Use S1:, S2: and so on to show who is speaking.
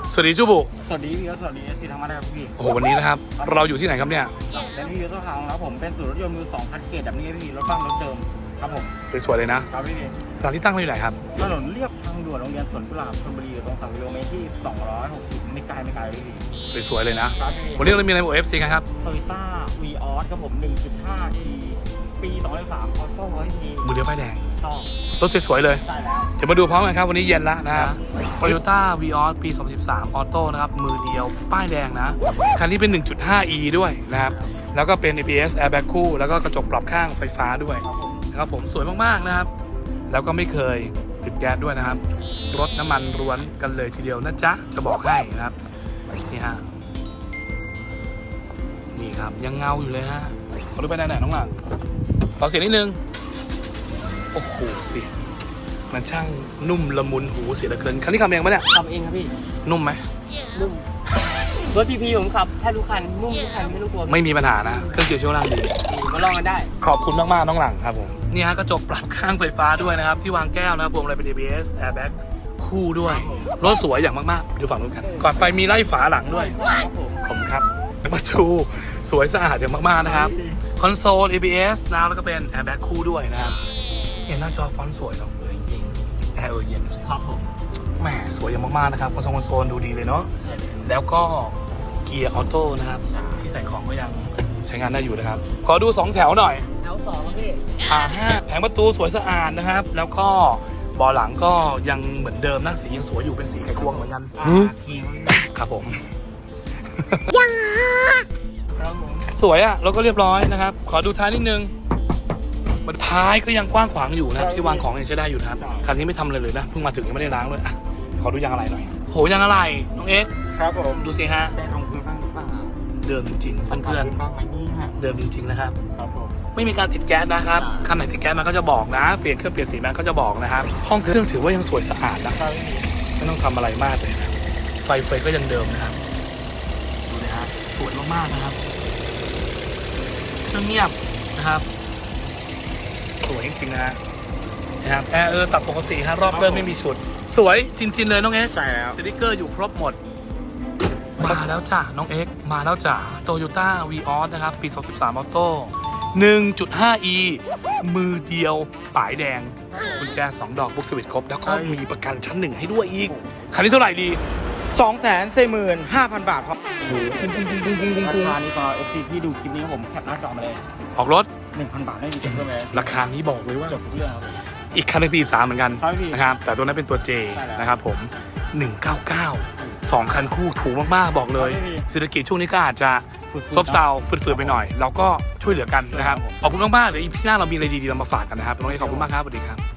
S1: สวัสดีจูบุ
S2: สวัสดีพี่สวัสดีสิทธิ์ธรรมะนะครับพี่
S1: โอ้โหวันนี้นะครับเราอยู่ที่ไหนครับเนี่ย
S2: เป็นพี่ต้นทางครับผมเป็นศูนย์รถยนต์มือ2คันเกตแบบนี้พี่รถบ้านรถเดิมครับผม
S1: สวยๆเลยนะครับ
S2: พี่
S1: สถานที่ตั้งอยู่ไหนครับ
S2: ถนนเรียบทางด่วนโรงเรียนสวนกุหลาบชลบุรีตรง3 กิโลเมตรที่260ไม่ไกลพี่
S1: สวยๆเลยนะ
S2: วัน
S1: นี้เรามีอะไรบอก FC กันครับ
S2: Toyota Vios ครับผม 1.5 e ปี2023ออโต้พี่
S1: มือเดียวป้ายแดง
S2: ต่อ
S1: รถสวยๆเลย
S2: ใช่แล้ว
S1: เดี๋ยวมาดูพร้อมกันครับวันนี้เย็นแล้วนะครับ Toyota Vios ปี 2013 ออโต้นะครับมือเดียวป้ายแดงนะคันนี้เป็น 1.5e ด้วยนะครับแล้วก็เป็น ABS Airbag คู่แล้วก็กระจกปรับข้างไฟฟ้าด้วยนะครับผมสวยมากๆนะครับแล้วก็ไม่เคยติดแก๊สด้วยนะครับรถน้ำมันล้วนกันเลยทีเดียวนะจ๊ะจะบอกให้นะครับนี่ฮะนี่ครับยังเงาอยู่เลยฮะขอดูไปไหนน้องหลังขอเสียงนิดนึงโอ้โหสิมันช่างนุ่มละมุนหูเสียเหลือเกินคันนี้ขับเองปะเนี่ย
S3: ขับเองครับพี่
S1: นุ่มไหม
S3: นุ่มรถพีผมขับแทบทุกคันนุ่มทุกคันไม่ต้องกลัว
S1: ไม่มีปัญหานะเครื่องเกียร์ช่วงล่างดี
S3: มาลองกันได้
S1: ขอบคุณมากๆน้องหลังครับผมนี่ฮะกระจกปรับข้างไฟฟ้าด้วยนะครับที่วางแก้วนะครับพวงมาลัยเป็น ABS Airbag คู่ด้วยรถสวยอย่างมากๆดูฝั่งนู้นกันก่อนไปมีไล่ฝาหลังด้วยผมครับประตูสวยสะอาดอย่างมากๆนะครับคอนโซล ABS นะแล้วก็เป็น Airbag คู่ด้วยนะครับเห็นหน้าจอฟอนต์สวยเนาะ
S2: สวยจริง
S1: แอร์เย็นดูสิ
S2: ครับผม
S1: แหมสวยอย่างมากๆนะครับคอนโซลดูดีเลยเนาะแล้วก็เกียร์ออโต้นะครับที่ใส่ของก็ยังใช้งานได้อยู่นะครับขอดู2แถวหน่อย
S3: แถว2พี่
S1: แผงประตูสวยสะอาดนะครับแล้วก็เบาะหลังก็ยังเหมือนเดิมนะสียังสวยอยู่เป็นสีไข่ควงเหมือนกันครับผมยังสวยอ่ะแล้วก็เรียบร้อยนะครับขอดูท้ายนิดนึงมันท้ายก็ยังกว้างขวางอยู่นะที่วางของยังใช้ได้อยู่นะครับคันนี้ไม่ทำอะไรเลยนะเพิ่งมาถึงยังไม่ได้ล้างเลยอ่ะขอดูยางอะไรหน่อยโหยางอะไรน้องเอ็ก
S2: ครับผม
S1: ดูสิฮะ
S2: แต่ตรงพื้นบ้างหรือเปล่า
S1: เดิมจริงๆเพื่อนๆเดิมจริงๆนะครับไม่มีการติดแก๊สนะครับคันไหนติดแก๊สมันก็จะบอกนะเปลี่ยนเครื่องเปลี่ยนสีมันก็จะบอกนะครับห้องเครื่องถือว่ายังสวยสะอาดนะไม่ต้องทำอะไรมากเลยนะไฟก็ยังเดิมนะครับดูนะฮะสวยมากๆนะครับเครื่องเงียบนะครับสวยจริงๆนะครับแอร์ตัดปกติฮะรอบเริ่มไม่มีฉุดสวยจริงๆเลยน้องเอ็กซ์
S2: ใช่แล้ว
S1: สติ๊กเกอร์อยู่ครบหมดมาแล้วจ้ะน้องเอ็กซ์มาแล้วจ้ะ Toyota Vios นะครับปี 2013 ออโต้ 1.5e มือเดียวป๋ายแดงกุญแจ2 ดอกบุ๊กสวิตครบแล้วก็มีประกันชั้น1ให้ด้วยอีกคันนี้เท่าไหร่ดี
S2: 245,000 บาทครับโอ้โหราคานี้ตอน FC ที่ดูคลิปนี้ผมแคปหน้าจอมาเลย
S1: ออกรถ
S2: 1,000 บาทได้ดีเกินเพิ่มเลย
S1: ราคานี้บอกเลยว่า
S2: จบเรื่องครับ
S1: อีกคันนึงปี3เหมือนกันนะครับแต่ตัวนั้นเป็นตัว J นะครับผม199 2คันคู่ถูกมากๆบอกเลยเศรษฐกิจช่วงนี้ก็อาจจะซบเซาฝืดๆไปหน่อยเราก็ช่วยเหลือกันนะครับขอบคุณมากๆเดี๋ยวอีพีหน้าเรามีอะไรดีๆเรามาฝากกันนะครับน้องเอขอบคุณมากครับสวัสดีครับ